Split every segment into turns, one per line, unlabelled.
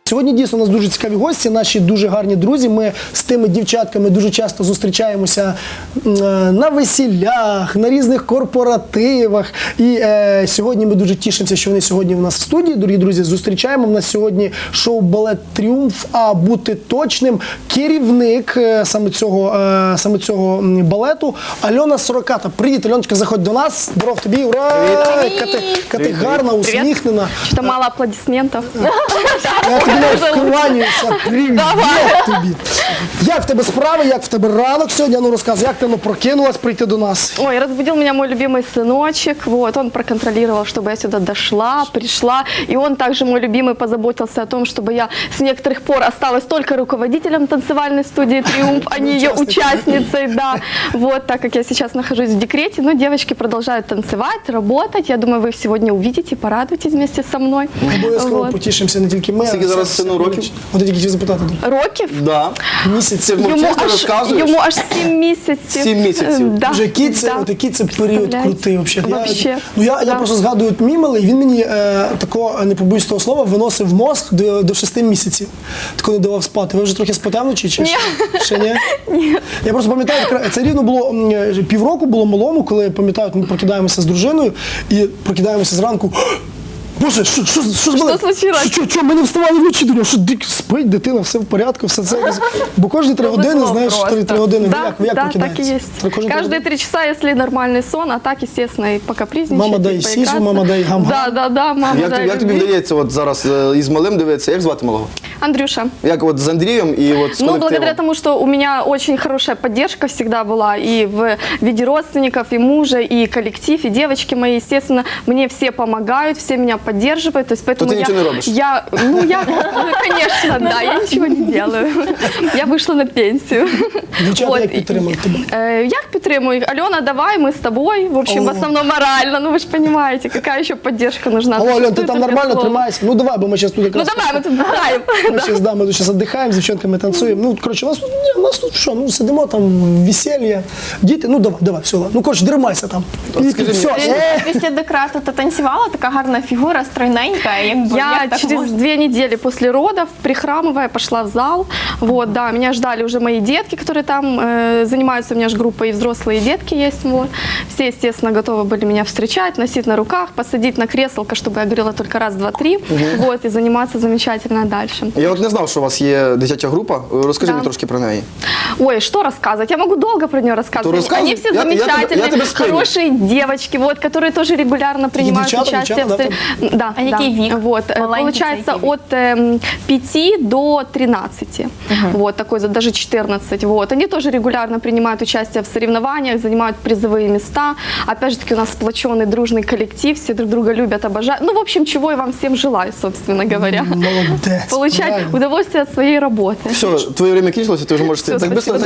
Сьогодні дійсно у нас дуже цікаві гості, наші дуже гарні друзі. Ми з тими дівчатками дуже часто зустрічаємося на весіллях, на різних корпоративах. І сьогодні ми дуже тішимося, що вони сьогодні у нас в студії. Дорогі друзі, зустрічаємо. У нас сьогодні шоу «Балет Тріумф», а бути точним, керівник саме цього балету Альона Сороката. Привіт, Альоночка, заходь до нас. Здоров тобі, ура! Яка ти гарна, усміхнена.
Что-то мало аплодисментов.
Я тобі навіть вкланяюся. Привіт тобі. Як в тебе справи, як в тебе ранок сьогодні? Ну розказуй, як ти прокинулась прийти до нас?
Ой, разбудил меня мой любимый сыночек. Вот, он проконтролировал, чтобы я сюда дошла, пришла. И он также, мой любимый, позаботился о том, чтобы я с некоторых пор осталась только руководителем танцевальной студии «Триумф», а не ее участницей, да. Вот, так как я сейчас нахожусь в декрете, но девочки продолжают танцевать, работать. Я думаю, вы их сегодня увидите, порадуйтесь вместе со мной.
Обов'язково потішимося, не тільки ми.
Скільки зараз сину років?
От я тільки хотів запитати.
Років?
Да.
Місяці.
Йому аж 7 місяців.
7 місяців.
Да,
Вже який це,
да.
от який це період крутий взагалі.
Вообще.
Я просто згадую от мій малий, він мені такого, не побоюсь того слова, виносив мозк до 6 місяців. Тако не давав спати. Ви вже трохи спите вночі чи ще ні?
Ні.
Я просто пам'ятаю, це рівно було півроку було малому, коли, пам'ятаю, ми прокидаємося з дружиною і прокидаємося зранку. Боже, що
случилось?
Що, ми не вставали вночі, думаю, що спить дитина, все в порядку, все це. Бо кожні 3 години, знаєш, 3 години.
Да,
Як
да,
прокидаєтеся?
так и есть. Каждые 3 часа, если нормальный сон, а так, естественно, и покапризничать.
Мама дай сісу, мама дай гам-гам.
Да, мама дай
Як тобі
любви.
вдається от зараз із малим дивитися? Як звати малого?
Андрюша.
Як от з Андрієм і от з
Ну,
колективом?
благодаря тому, что у меня очень хорошая поддержка всегда была и в виде родственников, и мужа, и коллектив, и девочки мои, естественно, мне все помогают, все меня поддерживают, то есть поэтому
То ты ничего не робишь?
Конечно, да, я ничего не делаю. Я вышла на пенсию.
Дівчата, як підтримують тебе?
Як підтримую? Альона, давай, мы с тобой. В общем, в основном морально. Ну, вы же понимаете, какая еще поддержка нужна.
Алло, Альон, ти там нормально тримаєшся? Ну давай, бо ми зараз тут
Ну,
якраз...
давай, мы тут знаем.
Ми тут зараз віддихаємо, з дівчатками танцюємо. Ну, коротше, у нас тут що, ну сидимо там, весілля, діти, ну давай, все, ну, коротше, дримайся там. І
скажи
все.
Після декрету ти танцювала, така гарна фігура, стройненька.
Я через 2 недели после родов, прихрамывая, пошла в зал. Вот, да, меня ждали уже мои детки, которые там занимаются, у меня же группа и взрослые, и детки есть. Вот. Все, естественно, готовы были меня встречать, носить на руках, посадить на кресло, чтобы я говорила только раз, два, три, вот, и заниматься замечательно дальше.
Я от не знав, що у вас є дитяча група. Розкажи мені трошки про неї.
Ой, что рассказывать? Я могу долго про нее рассказывать. Они все замечательные, хорошие девочки, вот, которые тоже регулярно принимают участие. Да,
а який вік?
Вот, получается, от 5 до 13, вот, такой, даже 14. Вот. Они тоже регулярно принимают участие в соревнованиях, занимают призовые места. Опять же таки, у нас сплоченный, дружный коллектив, все друг друга любят, обожают. Ну, в общем, чего я вам всем желаю, собственно говоря.
Молодець.
Получать
правильно.
удовольствие от своей работы.
Все, твоє время кінчилося, ти вже можеш
Все,
так
спасибо.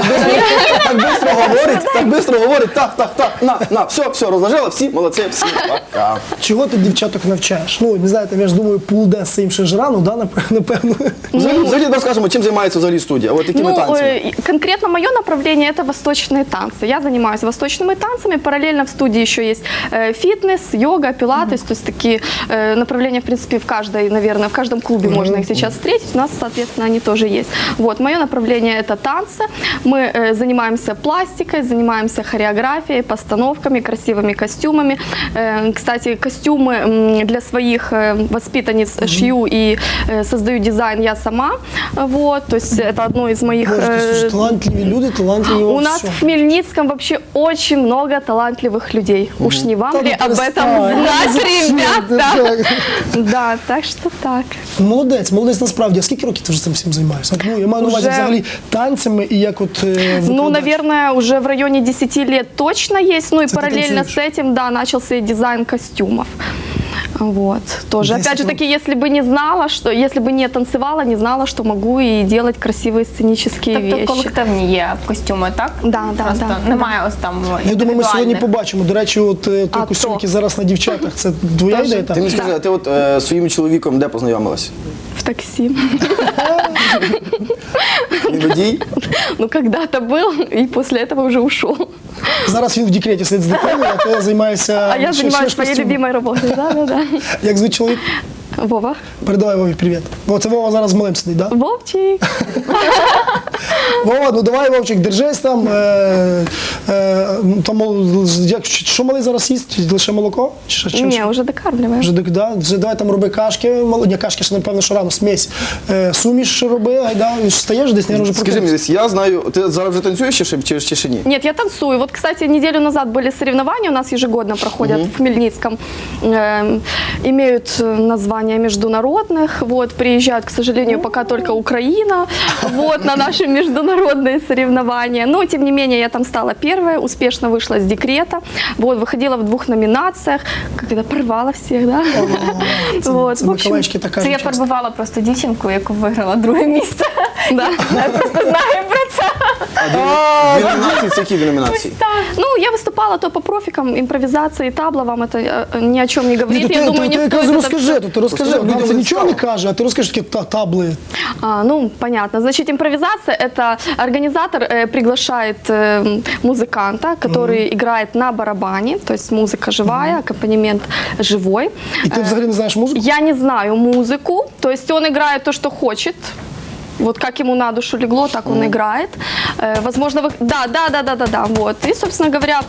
бистро говорить, так, на, все, розложила, всі, молодці, всі, пока.
Чого ти дівчаток навчаєш? Ну, не знаю, я ж думаю, пулде з цим ще ж рано, да, напевно.
Взагалі, розкажемо, чим займається взагалі студія, от якими танцями?
Конкретно мое направление – это восточные танцы. Я занимаюсь восточными танцами. Параллельно в студии еще есть фитнес, йога, пилатес. То есть такие направления, в принципе, в каждой, наверное, в каждом клубе можно их сейчас встретить. У нас, соответственно, они тоже есть. Вот, мое направление – это танцы. Мы занимаемся пластикой, занимаемся хореографией, постановками, красивыми костюмами. Кстати, костюмы для своих воспитанниц шью и создаю дизайн я сама. Вот, то есть это одно из моих...
Боже, талантливі люди, талантливі
У нас в Хмельницком вообще очень много талантливых людей. Уж не вам ли об этом знать, ребята? Да, так что так.
Молодець насправді. А скільки років ти вже цим всім займаєшся? Ну, я маю на увазі взагалі танцями і як от
Ну, наверное, уже в районе 10 лет точно есть. Ну и параллельно с этим, да, начался и дизайн костюмов. Вот, тоже. Опять же таки, если бы не знала, что, если бы не танцевала, не знала, что могу и делать красивые сценические вещи.
Тобто колективні є костюми, так?
Да,
Просто
да.
немає ось там
Я думаю, ми сьогодні
індивідуальних.
побачимо. До речі, от той костюм, який зараз на дівчатах, це твоя ідея?
Ти мені скажи, а ти от зі своїм чоловіком де познайомилась?
В такси.
Він водій?
Ну, когда-то был, и после этого уже ушел.
Зараз він в декреті сидить з дитиною, а ти займаєшся...
А я
ще
занимаюсь своей
костюмом.
любимой работой. Да.
Як звуть чоловік?
Вова.
Передавай Вові привіт. Бо це Вова зараз з малим сидить, так? Да?
Вовчик.
Вова, ну давай, Вовчик, держись там. Що малий зараз їсть? Лише молоко? Чи чим?
Не, уже докармливаем.
Вже давай там роби кашки, ні, кашки ще, напевно, що рано, смесь. Суміш роби, гайда, стаєш десь, не вже
Скажи мені, я знаю, ти зараз вже танцюєш чи ще ні?
Нет, я танцую. Вот, кстати, неделю назад были соревнования, у нас ежегодно проходят в Хмельницком. Имеют название международных. Вот, приезжает, к сожалению, пока только Украина вот, на наши международные соревнования. Но, тем не менее, я там стала первая, успешно вышла с декрета. Вот, выходила в 2 номинациях. Когда порвала всех, да? Вот,
Це
в общем,
Миколаївські така
Це я
часто.
фарбувала просто дівчинку, яку виграла 2 місце.
да.
Я просто знаю про це.
А дві номінації, це які дві номінації?
Ну, я выступала то по профикам, импровизации, табла, вам это ни о чем не говорит.
Ні,
Я думаю,
ти
не
якраз
стоит это
розкажи,
всё.
ти розкажи,
Просто
нам це
людям
нічого не
цікаво.
каже, а ти розкажеш такі табли.
Ну, понятно. Значит, импровизация – это организатор приглашает музыканта, который играет на барабане, то есть музыка живая, аккомпанемент живой.
І ти взагалі не знаєш музику?
Я не знаю музыку, то есть он играет то, что хочет. Вот как ему на душу легло, так он играет. Возможно, вы... Да, вот. И, собственно говоря,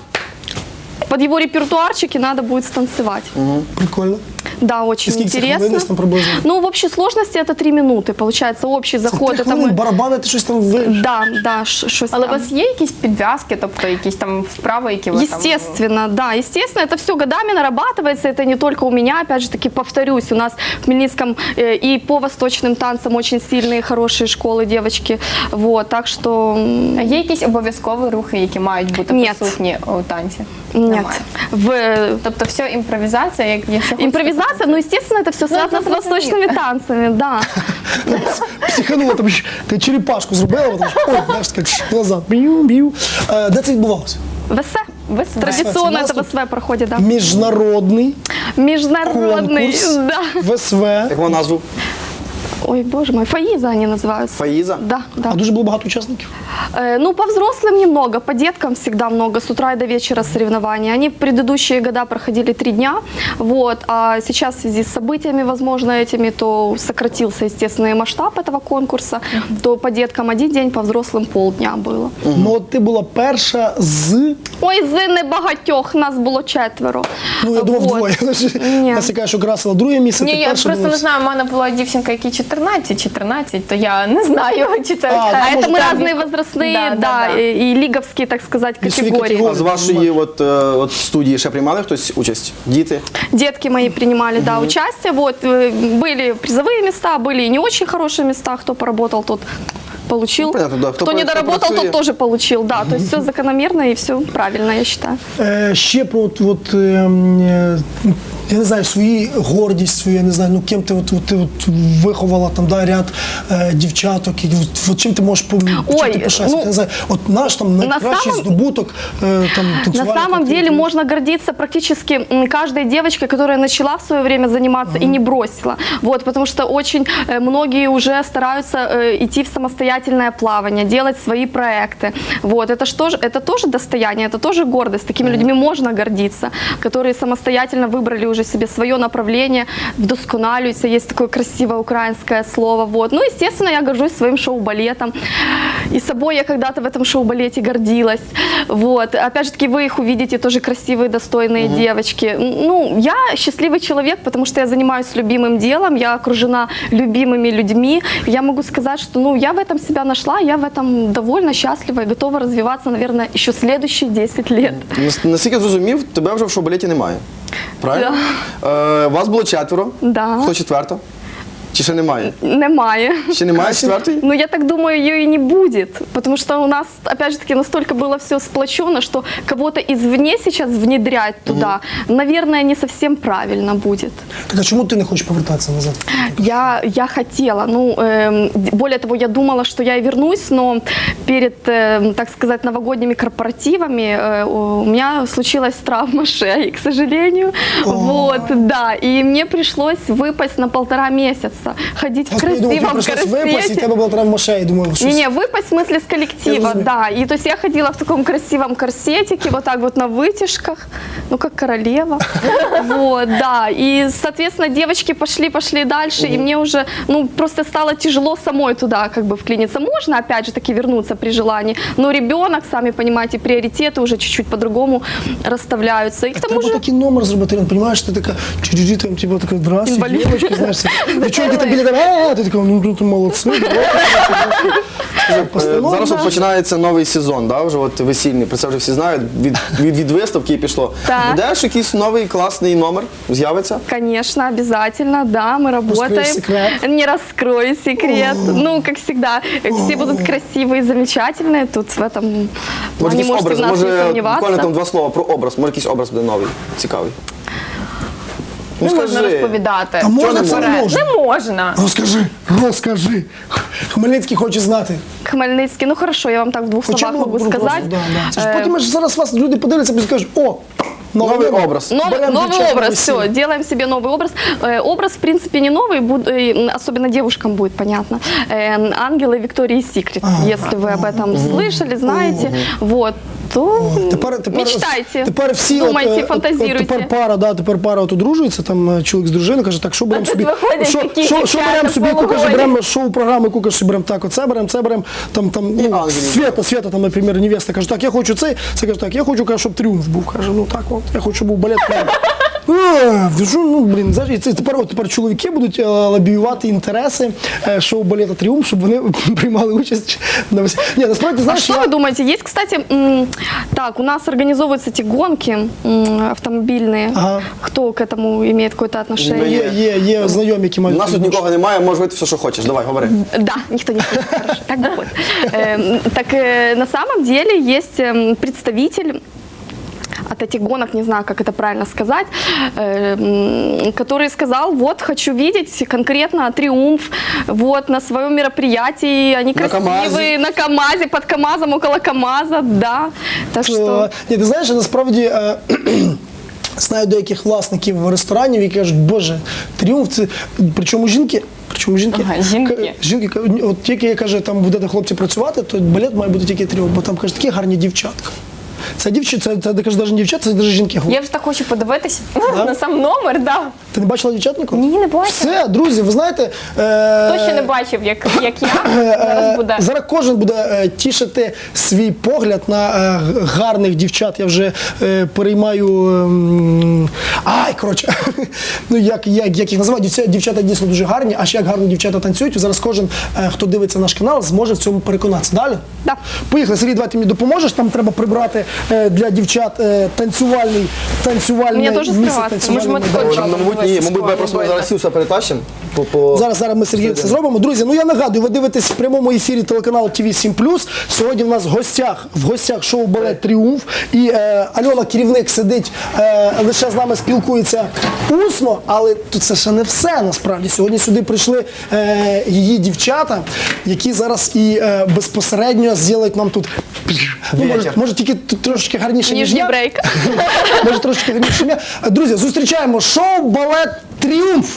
под его репертуарчики надо будет станцевать.
Прикольно.
Да, очень
сколько
интересно.
хвилин десь там приблизно?
Ну, в общей сложности это 3 минуты. Получается, общий заход.
Ти
Это мы...
хвилин барабани, ти щось там виш.
Да, щось
Але у
там.
вас є якісь підв'язки, тобто якісь там вправи, які ви там...
Естественно, да, естественно, это все годами нарабатывается, это не только у меня, опять же таки, повторюсь, у нас в Хмельницком и по восточным танцам очень сильные, хорошие школы, девочки, вот, так что
А є якісь обов'язкові рухи, які мають бути
Ні.
присутні у танці?
нет.
Немає. Тобто все імпровізація, як якщо
Импровизация, ну, естественно, это все связано
это
с восточными танцами, да.
Психанула, там, ти черепашку зробила, потім, ой, знаєш, так назад, б'ю. Де це відбувалося?
ВС.
ВСВ.
Традиционно
У нас
это
тут
ВСВ проходит, да.
Міжнародний
Международный,
конкурс
да.
ВСВ.
Як вона назву?
Ой, боже мой, Фаиза они называются.
Фаїза?
Да, да.
А дуже було багато учасників?
Ну, по взрослым немного, по деткам всегда много, с утра и до вечера соревнования. Они в предыдущие года проходили 3 дня, вот, а сейчас в связи с событиями, возможно, этими, то сократился, естественно, и масштаб этого конкурса, то по деткам 1 день, по взрослым полдня было.
Ну, от ти була перша з...
Ой, з небагатьох, нас було 4.
Ну, я думав,
Вот.
двоє.
Ні.
Нас яка, що красила друге місце,
Ні,
ти
я
перша
просто
була.
не знаю, у мене була дівчинка, якій 14, то я не знаю, чи це...
А,
А
может,
это мы
там
разные возрастные, да,
да.
и лиговские, так сказать,
Весовые
категории.
А з вашої от студії ще приймали хтось участь? Діти?
Детки мои принимали, да, участие. Вот, были призовые места, были и не очень хорошие места. Кто поработал, тот получил.
Ну, понятно, да.
Кто не доработал,
працює.
тот тоже получил. Да, то есть все закономерно и все правильно, я считаю.
Ще про я не знаю, свою гордість, свою, я не знаю, ну ким ти виховала там, да, ряд дівчаток, і от чим ти можеш чим
Ой,
ти пишаєшся?
ну,
Я не знаю, от наш там найкращий
самом-
здобуток там
На
танцювальний
самом
колектив.
деле можно гордиться практически каждой девочкой, которая начала в свое время заниматься и не бросила. Вот, потому что очень многие уже стараются идти в самостоятельное плавание, делать свои проекты. Вот, это тоже достояние, это тоже гордость. Такими людьми можно гордиться, которые самостоятельно выбрали уже себе свое направление, вдосконалюются. Есть такое красивое украинское слово. Вот. Ну, естественно, я горжусь своим шоу-балетом. И собой я когда-то в этом шоу-балете гордилась. Вот. Опять же таки, вы их увидите, тоже красивые, достойные девочки. Ну, я счастливый человек, потому что я занимаюсь любимым делом, я окружена любимыми людьми. Я могу сказать, что ну, я в этом себя нашла, я в этом довольно счастлива и готова развиваться, наверное, еще следующие 10 лет.
Наскільки я зрозумів, тебе вже в шоу-балеті немає. Правильно? Вас було 4.
Да.
Хто 4? Чи ще немає?
Немає.
Ще немає 4-ї?
Ну, я так думаю, ее и не будет, потому что у нас, опять же таки, настолько было все сплочено, что кого-то извне сейчас внедрять туда, наверное, не совсем правильно будет.
Так а чому ти не хочеш повертатися назад?
Я хотела, ну, более того, я думала, что я и вернусь, но перед, так сказать, новогодними корпоративами у меня случилась травма шеи, к сожалению. Вот, да, и мне пришлось выпасть на 1,5 месяца. нравится ходить в
Я думаю, тебе
красивом
пришлось випасть, і
корсете.
тебе була травма шеї. Думаю, щось.
Не-не, выпасть в смысле с
Я
коллектива,
разумею.
да. И то есть я ходила в таком красивом корсетике, вот так вот на вытяжках, ну как королева. Вот, да. И, соответственно, девочки пошли дальше, и мне уже, ну, просто стало тяжело самой туда как бы вклиниться. Можно, опять же таки, вернуться при желании, но ребенок, сами понимаете, приоритеты уже чуть-чуть по-другому расставляются. И к тому
Треба
же...
такий номер зробити, Ірин, розумієш, ти така, чуть-чуть там, типу, така, здравствуйте,
Інвалід.
дівчатки, знаєш, девчонки там біля тебе, ти така, ну, ти молодці.
Зараз от починається новий сезон, да, вже от весільний, про це вже всі знають, від виставки підшло.
Так.
Будеш якийсь новий класний номер з'явиться?
Конечно, обязательно, да, мы работаем.
секрет?
Не раскрою секрет. Ну, как всегда, все будут красивые, замечательные. Тут в этом
Може,
плане
якийсь
можете
образ,
в нас не
може, буквально там
сомневаться.
2 слова про образ, може якийсь образ буде новий, цікавий. Ну
Не можна
скажи.
розповідати.
А можна
не
це не
можна?
можна?
Не можна.
Розкажи. Хмельницький хоче знати.
Хмельницкий, ну хорошо, я вам так в 2 словах
Чому?
могу
Просто,
сказать.
да, да. Це ж потім ж зараз вас люди подивляться і скажуть, о,
Новий образ.
Берем
Новый
дівчат на
образ,
весілля.
все, делаем себе новый образ. Образ, в принципе, не новый, особенно девушкам будет понятно. Ангелы Виктории Секрет, если вы об этом слышали, знаете, вот, то мечтайте,
Тепер всі
думайте,
от
фантазируйте.
тепер пара от одружується, там чоловік з дружиною каже, так, що беремо
тут
собі,
виходять такі
що
дівчата
беремо собі, каже,
полуголі.
беремо шоу-програми, каже, беремо так, оце беремо, там, ну,
ангелів.
Света, там, наприклад, невеста, каже, так, я хочу цей, це каже, так, я хочу, каже, щоб тріумф був, каже, ну так, от, я хочу, щоб був балет. Ну, блін, знаєш, і це тепер чоловіки будуть лобіювати інтереси шоу балета «Тріумф», щоб вони приймали участь на весіллі. Ні, насправді,
А
знаєш,
что вы думаете? Есть, кстати, так, у нас организовываются эти гонки автомобильные.
Ага.
Кто к этому имеет какое-то отношение?
є знайомі, які
У
мають.
нас тут нікого немає, можеш вийти все, що хочеш. Давай, говори.
Да, никто не слышит. Хорошо, так будет. Так на самом деле есть представитель от этих гонок, не знаю, как это правильно сказать, который сказал, вот, хочу видеть конкретно «Триумф», вот, на своем мероприятии, они
На
красивые,
КамАЗе.
на КамАЗе, под КамАЗом, около КамАЗа, да, так что...
Ні, ти знаєш, насправді знаю деяких власників ресторанів, які кажуть, боже, «Тріумф» це, причому жінки.
Ага, жінки.
Жінки, от тільки, каже, там будете хлопці працювати, то балет має бути тільки «Тріумф», бо там, каже, такі гарні дівчатка. Це дівчата, це каже, навіть не дівчата, це навіть жінки.
Я вже так хочу подивитися
Да?
на сам номер, да.
Ти не бачила дівчат ніколи?
Ні, не бачила.
Все, друзі, ви знаєте...
Хто ще не бачив, як я, зараз буде.
Зараз кожен буде тішити свій погляд на гарних дівчат. Я вже переймаю. Коротше, ну як їх називають, дівчата дійсно дуже гарні, а ще як гарно дівчата танцюють. Зараз кожен, хто дивиться наш канал, зможе в цьому переконатися. Далі?
Да.
Поїхали, Сергій, давай ти мені допоможеш. Там треба прибрати для дівчат танцювальний
Мені дуже
місце
скриватися.
танцювальний
Ми ж
майданчик.
Мабуть, ми просто зараз всі все перетащимо.
Зараз ми Сергій це зробимо. Друзі, ну я нагадую, ви дивитесь в прямому ефірі телеканалу ТВ7+. Сьогодні в нас в гостях шоу «Балет Тріумф». І Альона, керівник, сидить, лише з нами спілкується усно, але тут це ще не все насправді. Сьогодні сюди прийшли її дівчата, які зараз і безпосередньо зроблять нам тут, ну, може тільки трошечки гарніше, ніж
Нижний
я.
брейк.
Може трошки гарніше, ніж я. Друзі, зустрічаємо шоу «Балет Тріумф».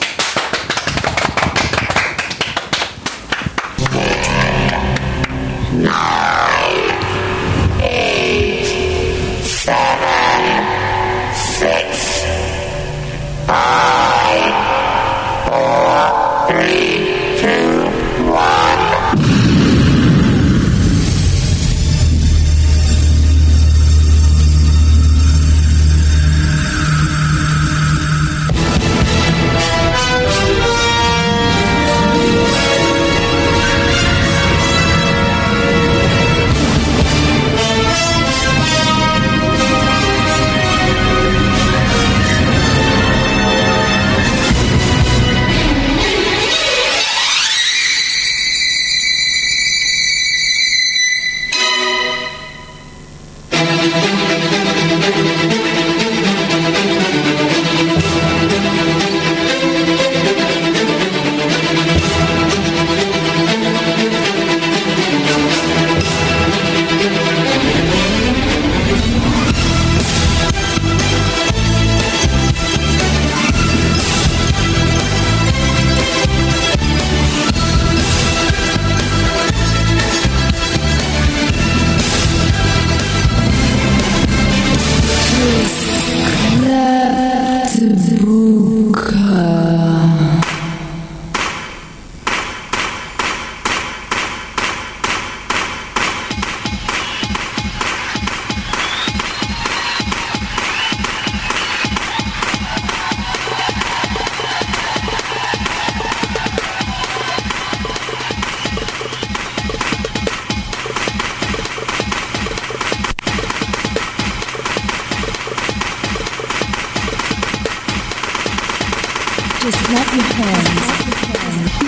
Just clap your hands.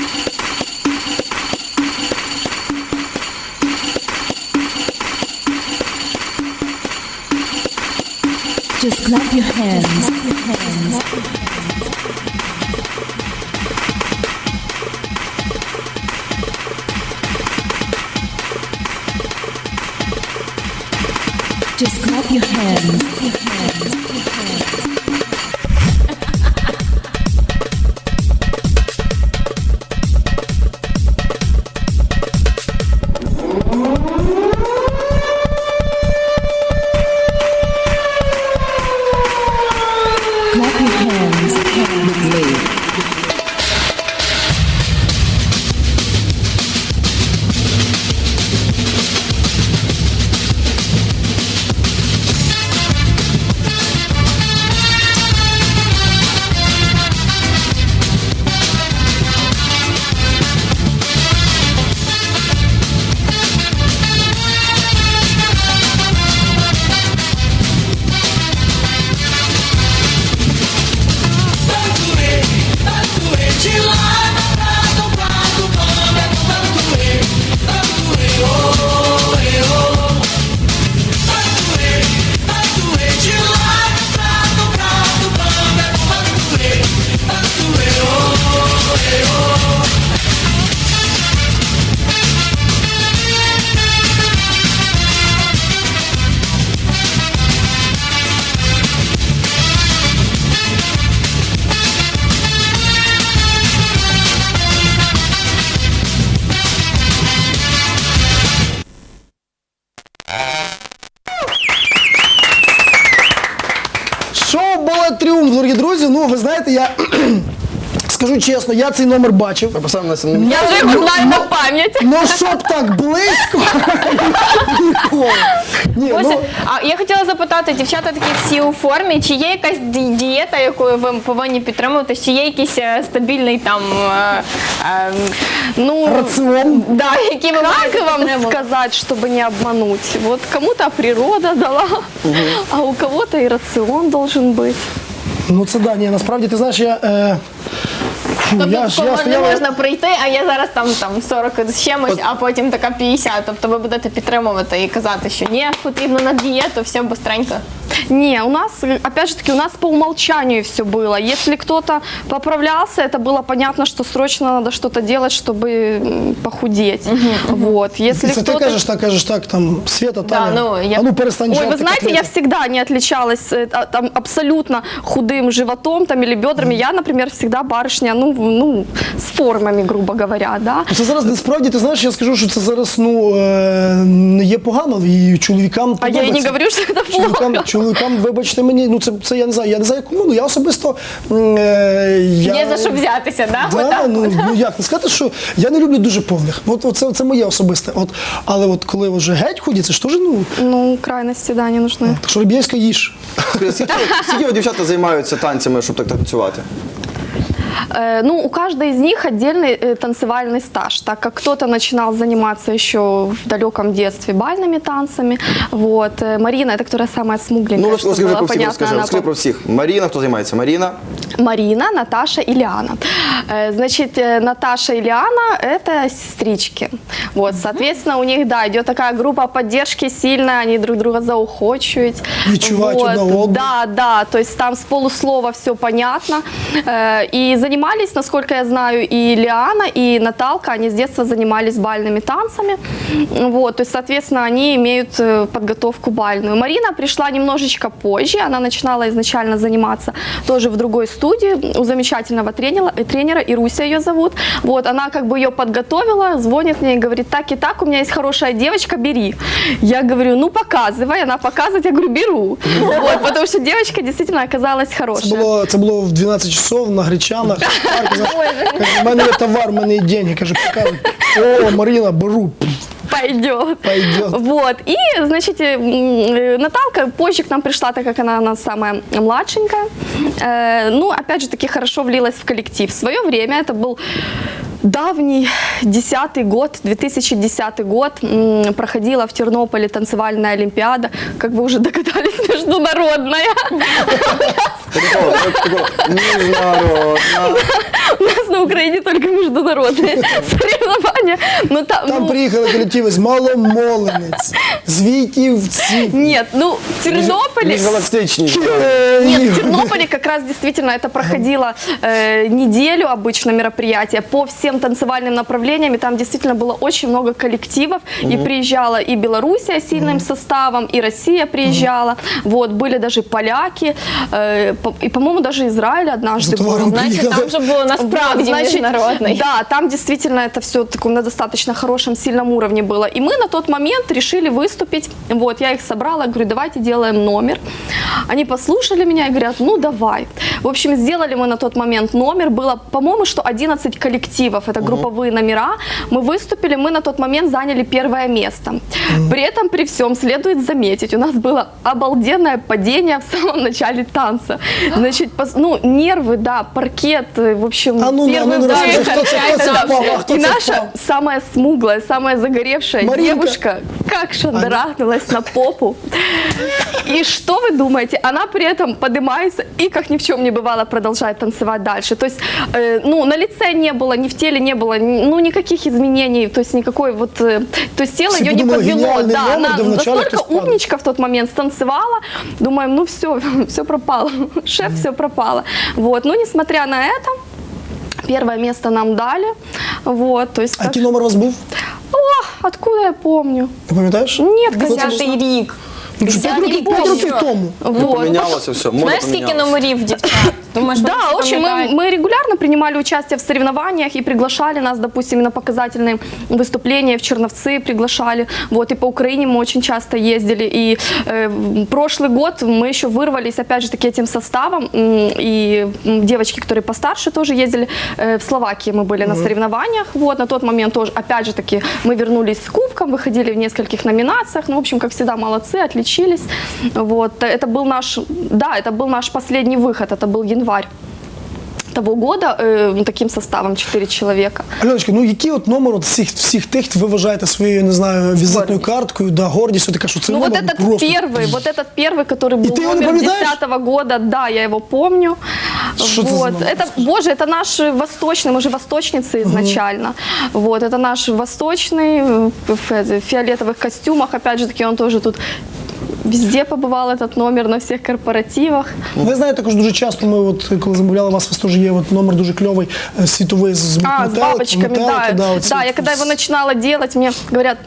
Just clap your hands. Just clap your hands. Clap your hands with me.
Шоу «Балет Тріумф», дорогі друзі. Ну, ви знаєте, я скажу чесно, я цей номер бачив.
Поставимо на
Я вже його знаю на пам'ять.
Ну, щоб так близько, ніколи. Ні,
Ось,
ну,
а я хотіла запитати, дівчата такі всі у формі, чи є якась дієта, якою ви повинні підтримувати, чи є якийсь стабільний там, ну,
раціон.
да, який ви
Как
маєте
вам
підтримувати?
сказать, чтобы не обмануть? Вот кому-то природа дала, а у кого-то и рацион должен быть.
Ну, це да, ні, насправді, ти знаєш,
Тобто
я
не
стояла...
можна прийти, а я зараз там 40 з чимось, а потім така 50. Тобто ви будете підтримувати і казати, що ні, потрібно на дієту, все быстренько.
Не, у нас, опять же таки, у нас по умолчанию все было. Если кто-то поправлялся, это было понятно, что срочно надо что-то делать, чтобы похудеть. Вот. Если
Це ти
кто-то...
кажеш так, там, Света, Таня,
ну, я-
а ну перестань
Ой,
жарти
вы знаете, я
котлети.
всегда не отличалась там, абсолютно худым животом там, или бедрами. Я, например, всегда барышня, ну, с формами, грубо говоря, да.
Це зараз насправді, ти знаєш, я скажу, що це зараз не є погано, і чоловікам
А я и не
подобається.
говорю, что это плохо.
Чоловікам, вибачте мені, ну це я не знаю кому, ну я особисто...
Є за що взятися, да?
Да,
Отак
ну як не сказати, що я не люблю дуже повних. Це моє особисте. Але от коли вже геть ходять, це ж теж, ну,
Ну, крайности, да, не нужны.
так що Риб'євська їж.
Скільки от дівчата займаються танцями, щоб так танцювати?
Ну, у каждой из них отдельный танцевальный стаж, так как кто-то начинал заниматься еще в далеком детстве бальными танцами. Вот. Марина, это которая самая смугленькая,
Ну,
чтобы
розкажи
было
про всіх,
понятно. Она
розкажи про всіх. Маріна, хто займається? Маріна?
Марина, Наташа и Лиана. Значит, Наташа и Лиана – это сестрички. Вот, соответственно, у них, да, идет такая группа поддержки сильная, они друг друга заухочивают.
Відчувають одне одного.
Да, то есть там с полуслова все понятно. И занимались, насколько я знаю, и Лиана, и Наталка, они с детства занимались бальными танцами. Вот, то есть, соответственно, они имеют подготовку бальную. Марина пришла немножечко позже, она начинала изначально заниматься тоже в другой студии у замечательного тренера, Ируся ее зовут. Вот, она как бы ее подготовила, звонит мне и говорит: так и так, у меня есть хорошая девочка, бери. Я говорю: ну показывай, она показывает, я говорю: беру. Вот, потому что девочка действительно оказалась хорошая.
Це було в 12 часов на Гречанах. Каже, в мене є товар, в мене є деньги. Каже, показуй. О, Марина, беру.
Пойдет.
Пойдет.
Вот. И, значит, Наталка позже к нам пришла, так как она у нас самая младшенькая. Ну, опять же таки, хорошо влилась в коллектив. В свое время, это был давний 2010 год, проходила в Тернополе танцевальная олимпиада, как вы уже догадались, международная.
Международна.
У нас на Украине только международные соревнования. Но
Там приїхали колективи з Маломолинець, з Вітівці.
Нет, ну в Тернополе...
Міжгалактичні.
Нет, в Тернополе как раз действительно это проходило неделю обычно мероприятие по всем танцевальным направлениям, и там действительно было очень много коллективов, и приезжала и Белоруссия с сильным составом, и Россия приезжала, вот, были даже поляки, и, по-моему, даже Израиль однажды был.
Значить, там же було насправді
Значит,
міжнародний.
Да, там действительно это все таком на достаточно хорошем, сильном уровне было. И мы на тот момент решили выступить. Вот, я их собрала, говорю: давайте делаем номер. Они послушали меня и говорят: ну давай. В общем, сделали мы на тот момент номер. Было, по-моему, что 11 коллективов, это групповые номера. Мы выступили, мы на тот момент заняли первое место. При этом, при всем, следует заметить, у нас было обалденное падение в самом начале танца. Значит, ну, нервы, да, паркет, в общем, первый удар. И наша самая смуглая, самая загоревшая
Маринка.
девушка как шандарахнулась на попу. И что вы думаете? Она при этом поднимается и, как ни в чем не бывало, продолжает танцевать дальше. То есть, ну, на лице не было, ни в теле не было, ну, никаких изменений, то есть никакой вот, то есть тело
Все
ее не
подумали,
подвело.
гениальный
Да,
номер,
она
да вначале
настолько
кто-то падал.
умничка в тот момент станцевала. Думаем, ну все, все пропало. Шеф, все пропало. Вот, но несмотря на это, первое место нам дали. Вот, то есть,
А який номер у вас був?
О, откуда я помню?
Ти пам'ятаєш?
Нет,
Ну, це
конечно.
було-
10-й рік.
Ну, що, 5 років, 5 років тому.
Вот.
Помінялося все, мода
Знаєш, скільки
помінялася.
номерів дівчат? Думаєш,
Да,
вони всі
очень
пам'ятають?
мы регулярно принимали участие в соревнованиях и приглашали нас, допустим, на показательные выступления в Черновцы приглашали. Вот, и по Украине мы очень часто ездили. И прошлый год мы еще вырвались, опять же, таки этим составом. И девочки, которые постарше, тоже ездили. В Словакии мы были на соревнованиях. Вот, на тот момент тоже, опять же, таки, мы вернулись с кубком, выходили в нескольких номинациях. Ну, в общем, как всегда, молодцы, отличились. Вот, это был наш, да, это был наш последний выход, это был январь того года, таким составом 4 человека.
Альоночка, ну який от номер от всіх тих ви вважаєте своєю, не знаю, візитною карткою, да, гордістю, така, що це
Ну
номер
вот
просто...
этот первый, который был
ты его не
номер
поминаешь?
10-го года, да, я его помню.
Что это за
вот.
номер?
Это, боже, это наш восточный, мы же восточницы изначально. Вот, это наш восточный в фиолетовых костюмах, опять же таки, он тоже тут везде побывал этот номер, на всех корпоративах.
Ви знаєте, також дуже часто ми, от, коли замовляли вас, у вас теж є от номер дуже кльовий, світовий з
С
метелик,
бабочками,
метелики,
да.
оці
Да,
от
я когда
всі.
его начинала делать, мне говорят: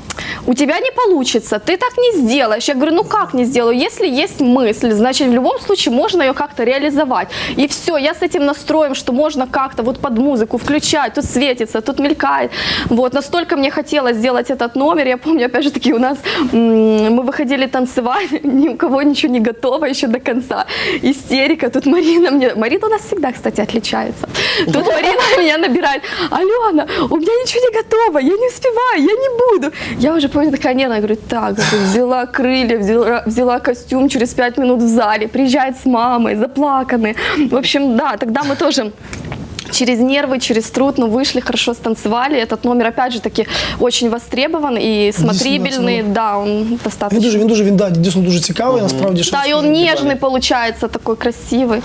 у тебя не получится, ты так не сделаешь. Я говорю: ну как не сделаю? Если есть мысль, значит, в любом случае можно ее как-то реализовать. И все, я с этим настроем, что можно как-то вот под музыку включать, тут светится, тут мелькает. Вот, настолько мне хотелось сделать этот номер. Я помню, опять же таки, у нас мы выходили танцевать, ни у кого ничего не готово еще до конца. Истерика. Тут Марина у нас всегда, кстати, отличается. Тут Марина меня набирает: Алена, у меня ничего не готово, я не успеваю, я не буду. Я уже помню, такая: нет, я говорю: так, взяла крылья, взяла костюм, через 5 минут в зале, приезжает с мамой, заплаканные. В общем, да, тогда мы тоже через нервы, через труд, но вышли, хорошо станцевали. Этот номер, опять же таки, очень востребован и смотрибельный. Да, он достаточно.
Він дійсно дуже цікавий, насправді. що
Да, и он нежный получается, такой красивый.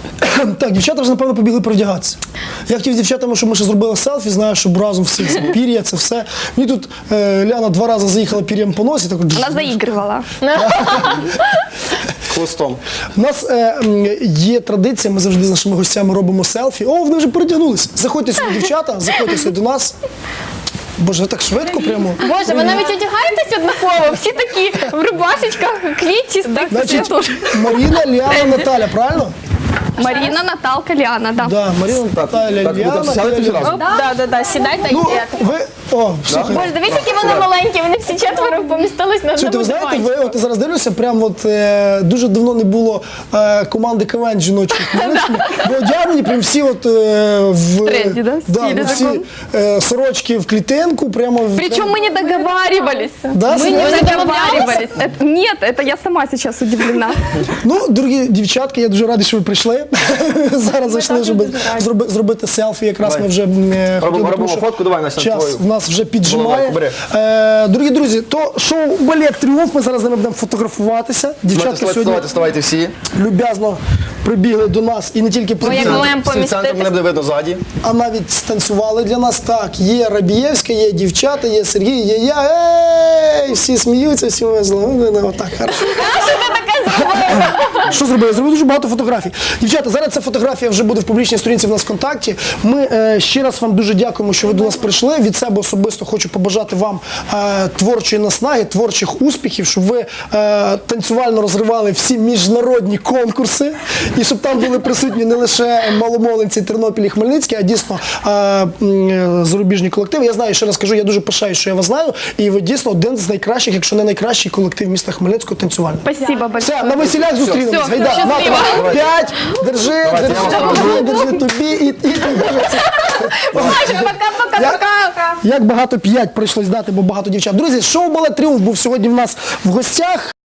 Так, дівчата вже, напевно, побігли перевдягатися. Я хотів з дівчатами, щоб ми ще зробили селфі, знаю, щоб разом всі це пір'я, це все. Мені тут Ляна 2 рази заїхала пір'ям по носі. Так,
Она заигрывала.
Хвостом.
У нас є традиція, ми завжди з нашими гостями робимо селфі. О, вони вже перетягнулися. Заходьте сюди, дівчата, заходьте сюди до нас. Боже, ви так швидко прямо.
Боже, ви навіть одягаєтесь однаково, всі такі в рубашечках, квітчистих.
Значить, Маріна, Ліана, Наталя, правильно?
Марина, Наталка, Лиана, да.
Да, Маріна, Наталя,
Так,
Ліана.
будете сядете всі разом?
Да, сідайте і
Ну,
йдете.
ви, о, слухай.
Боже, дивіться, які вони маленькі, вони всі четверо помістились на
Що,
одному
ви знаєте,
диванчику.
от я зараз дивлюся, прям от дуже давно не було команди КВН жіночої в Хмельницькому, бо одягнені прям всі от в
тренді, да? В стилі
ну, всі сорочки в клітинку, прямо
Причем мы не договаривались.
Да,
Мы не
серьезно?
договаривались. Нет, это я сама сейчас удивлена.
Ну, дорогі дівчатки, я дуже радий, що ви прийшли. Зараз зайшли, щоб зробити селфі. Якраз
Давай.
ми вже хотіли,
Робимо
тому що
фотку, давай, Настя,
час
твою.
в нас вже піджимає.
Бери.
Дорогі друзі, то шоу «Балет Тріумф», ми зараз з ними будемо фотографуватися. Дівчатки сьогодні
Вставайте всі.
люб'язно прибігли до нас і не тільки
як
прибігли,
маємо
Всі в центрі,
поміститись.
мене буде видно ззаді.
а навіть станцювали для нас. Так, є Рабієвська, є дівчата, є Сергій, є я. Ей, всі сміються, всі весело. Ну, отак, хорошо. Що зробив? Я зробив дуже багато фотографій. Дівчата, зараз ця фотографія вже буде в публічній сторінці в нас ВКонтакті. Ми ще раз вам дуже дякуємо, що ви до нас прийшли. Від себе особисто хочу побажати вам творчої наснаги, творчих успіхів, щоб ви танцювально розривали всі міжнародні конкурси і щоб там були присутні не лише маломолинці Тернопіль і Хмельницький, а дійсно зарубіжні колективи. Я знаю, ще раз кажу, я дуже пишаю, що я вас знаю, і ви дійсно один з найкращих, якщо не найкращий колектив міста Хмельницького танцювально.
Спасибо большое.
Все, на весілях зустрінемось.
Все,
Гайда,
щасливо.
Ната, 5, держи,
Давайте, я вас проведу.
держи тобі і
Пока-пока-пока.
як багато 5 прийшлось дати, бо багато дівчат. Друзі, шоу «Балет Тріумф» був сьогодні в нас в гостях.